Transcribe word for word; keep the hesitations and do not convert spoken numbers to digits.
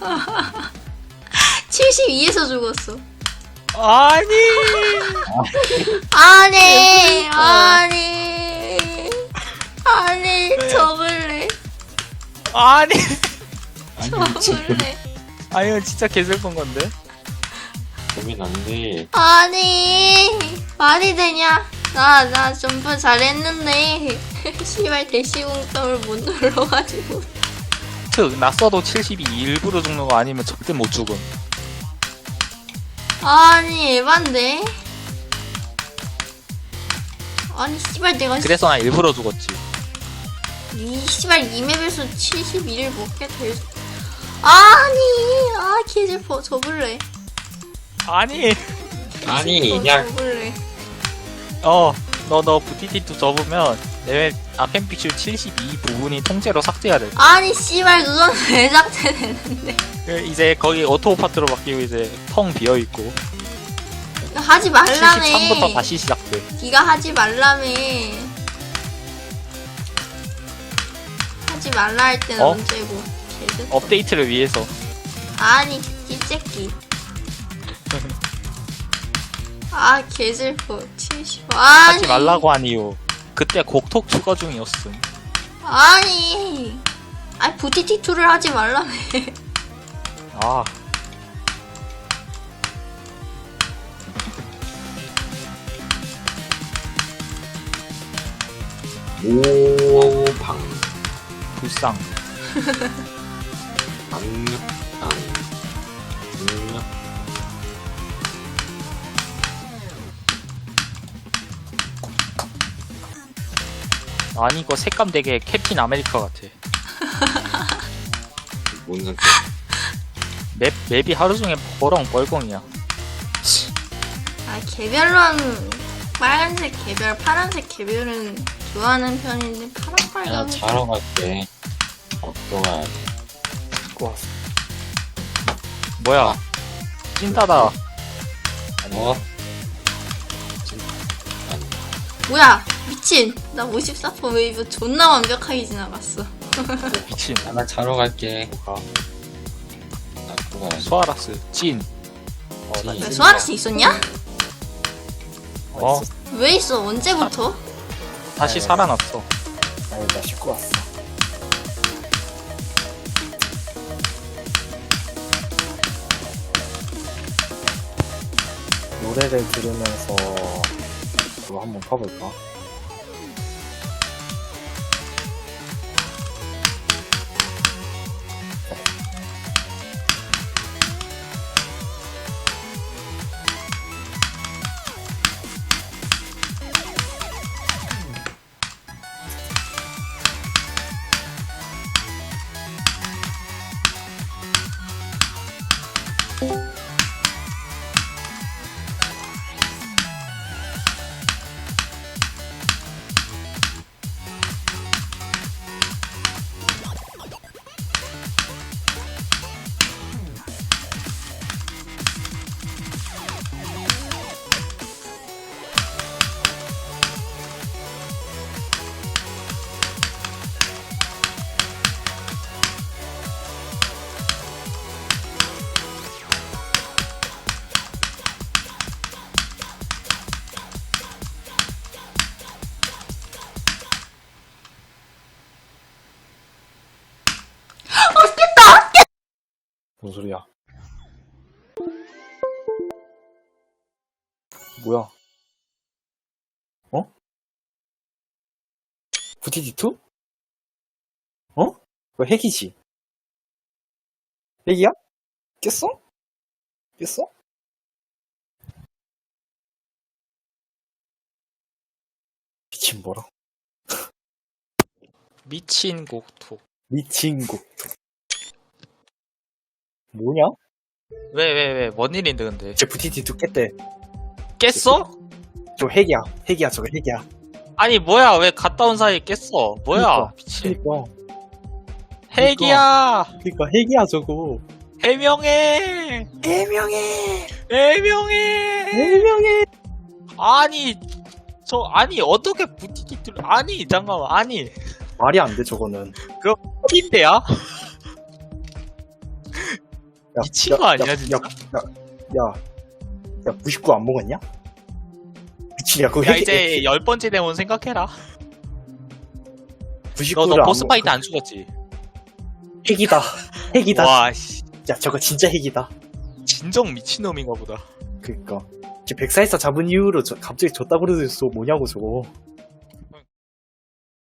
칠십이에서 죽었어. 아니. 아니, 아니, 아니, 접을래. 아니. 접을래. 아 이거 진짜 개슬픈 건데. 고민 안 돼. 아니, 말이 되냐? 나, 나 점프 잘했는데. 씨발, 대시공점을 못 눌러가지고. 즉 났어도 칠십이 일부러 죽는 거 아니면 절대 못 죽음. 아니, 에반데? 아니, 씨발, 내가. 그래서 나 일부러 죽었지. 이 씨발 이 맵에서 칠십이를 먹게 될 수... 아니 아 개슬퍼. 접을래. 아니. 아니, 어, 그냥 접을래. 어. 너 너 부티티투 접으면 내 아펜픽슈 칠십이 부분이 통째로 삭제해야 돼. 아니 씨발 그건 왜 삭제되는데. 이제 거기 오토 파트로 바뀌고 이제 텅 비어 있고. 하지 말라며. 칠십삼부터 다시 시작돼. 네가 하지 말라며. 하지 말라 할 때는 어? 언제고. 개슬퍼. 업데이트를 위해서. 아니 찌새끼. 아 개슬퍼. 칠십. 아니 하지 말라고 한 이유. 그때 곡톡 추가 중이었음. 아니 아니 부티티투를 하지 말라며. 아. 오방 불쌍. 강력 강 강력 아니 이거 색감 되게 캡틴 아메리카 같아. 뭔 상태? 맵, 맵이 하루 종일 버렁 뻘렁이야. 아 개별은 빨간색 개별, 파란색 개별은 좋아하는 편인데 파란 야 빨간. 자러 갈게. 어떠가 좋았어. 뭐야? 찐따다. 어? 뭐야 미친. 나 오십사 퍼센트 웨이브 존나 완벽하게 지나갔어. 미친. 아, 나 자러 갈게. 가. 나 그거 가야지. 소아락스 찐. 어, 나 왜 진짜- 소아라스 있었냐? 어? 왜 있어? 언제부터? 다시 살아났어. 아니 나 씻고 왔어. 노래를 들으면서 그거 한번 파볼까? 뭔 소리야? 뭐야? 어? 부티디투? 어? 그거 핵이지? 핵이야? 깼어? 깼어? 미친 뭐라? 미친 곡톡. 미친 곡. 뭐냐? 왜 왜 왜 뭔 일인데 근데? 제 부티디투 깼대. 깼어? 저 핵이야. 핵이야 저거 핵이야. 아니 뭐야 왜 갔다 온 사이에 깼어? 뭐야? 그니까. 미친. 그니까. 핵이야. 그니까 핵이야 저거. 해명해. 해명해. 해명해. 해명해. 아니 저 아니 어떻게 부티티를 아니 잠깐만 아니 말이 안 돼 저거는. 어딘데야? 야, 미친 거 아니야, 야, 진짜? 야, 야, 야, 야, 구십구 안 먹었냐? 미친야, 그거 야, 핵, 이제 열 번째 대원 생각해라. 구십구를 너, 너 안 보스 먹- 파이트 안 죽었지? 핵이다. 핵이다. 와, 씨. 야, 저거 진짜 핵이다. 진정 미친놈인가 보다. 그니까. 백 사 사 잡은 이후로 저, 갑자기 졌다 그러더니 뭐냐고, 저거.